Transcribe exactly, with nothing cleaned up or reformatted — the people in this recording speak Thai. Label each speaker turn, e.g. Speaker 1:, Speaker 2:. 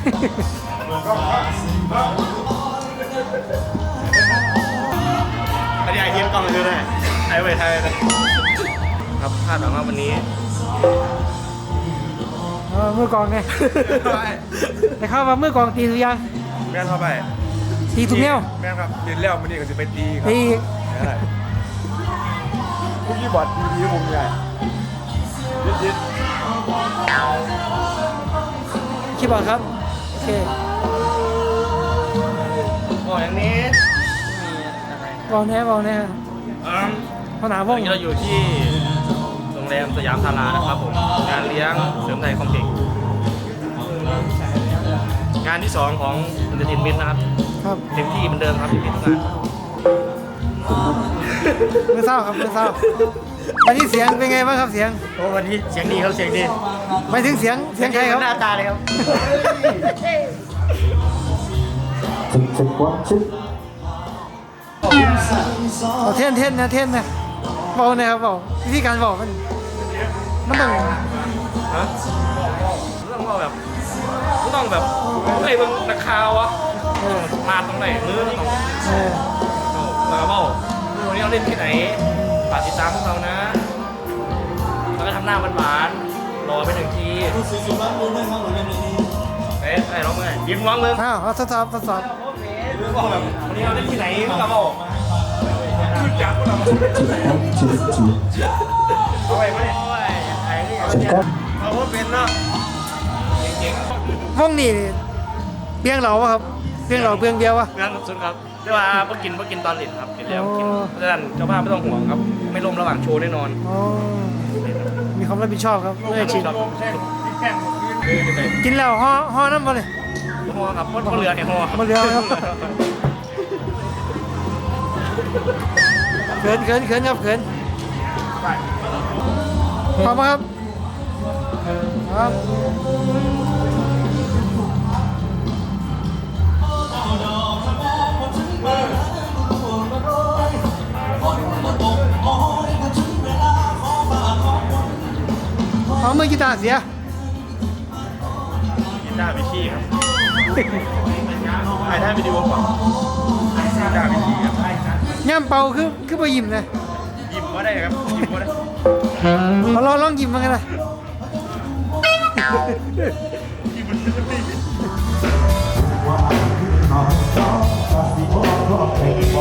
Speaker 1: อันนี้ไอเทียมกล้องเลยได้ไอไว้ไทยนะครับคาดหวังว่าวันนี้
Speaker 2: มือกองไงแต่เข้ามามือกองตีถูกยัง
Speaker 3: แม่เข้าไป
Speaker 2: ตีถูกแนว
Speaker 3: แม่ครับเรียนแล้วมันนี่ก็จะไปตีครับ
Speaker 2: ตี
Speaker 3: พวกยี่บอดดีดีผมใหญ่ยิดยิด
Speaker 2: คีย์บอร์ดครับโอเค
Speaker 1: บอกอย่างนี้
Speaker 2: บอกแน่บอกแน่พอหนาว่อง
Speaker 1: เราอยู่ที่โรงแรมสยามธารานะครับผมงานเลี้ยงเสริมไทยคอมเพล็กซ์งานที่สองของอินเตอร์เทนเมนต์นะครับ
Speaker 2: ครับ
Speaker 1: เต็มที่เหมือนเดิมครับเต็มที่ทุกงาน
Speaker 2: ไม่เศร้าครับไม่เศร้าวันนี้เสียงเป็นไงบ้างครับเสียง
Speaker 1: โอ้วันนี้เสียงดีครับเสียงดี
Speaker 2: ไม่ถึงเสียงเสียงใครครับ
Speaker 1: หน้าตาเลยครับ
Speaker 2: เอาเท่นเท่นนะเท่นนะบอกนะครับบอกวิธีการบอกมันมันต้อง
Speaker 1: ฮะต้องบอกแบบต้องแบบเฮ้ยมึงนักข่าวอะมาตรงไหนมือต้องมาบอกวันนี้เราเล่นที่ไหนฝากติดตามพวกเรานะแล้วก็ทำหน้าหวานๆรอไปหนึ่งทีเอ๊ะไอ้ร้องเมื่อยิ้มร้องเลย
Speaker 2: อ้าวทดสอบทดสอบ
Speaker 1: บอกแบบวันนี้เราเล่นที่ไหนพวกเราบอกจับเราเอาไปไหมไอ้นี่เอาว่าเป็นเนาะเก่ง
Speaker 2: ๆห้องนี่เบี้ยงเหล่าวะครับเบี้ยงเหล่าเบี้ยงเบี้ยววะ
Speaker 1: เบี้ยงสุดครับเรียกว่าเพิ่งกินเพิ่งกินตอนหลินครับกินแล้วกินเพราะฉะนั้นเจ้าภาพไม่ต้องห่วงครับไม่ล้มระหว่างโชว์แน่นอน
Speaker 2: มีความรับผิดชอบครับไม่ชินกินแล้วห่อห่อน้ำมาเลย
Speaker 1: ห่อครับเพราะเรือเนี่ยห่อ
Speaker 2: มาเรือครับเขินเขินเขินครับเขินพร้อมครับครับเอามือกีตาร์เสีย
Speaker 1: กีตาร์วิชี่ครับไอ้ท่านวิดีโอก่อนกีตาร์วิชี่ครับ
Speaker 2: ย่ำเป่าคือคือไปยิ้มเลย
Speaker 1: ยิ้มก็ได้ครับยิ้มก็ได้
Speaker 2: เอาลองลองยิ้มมากันเลย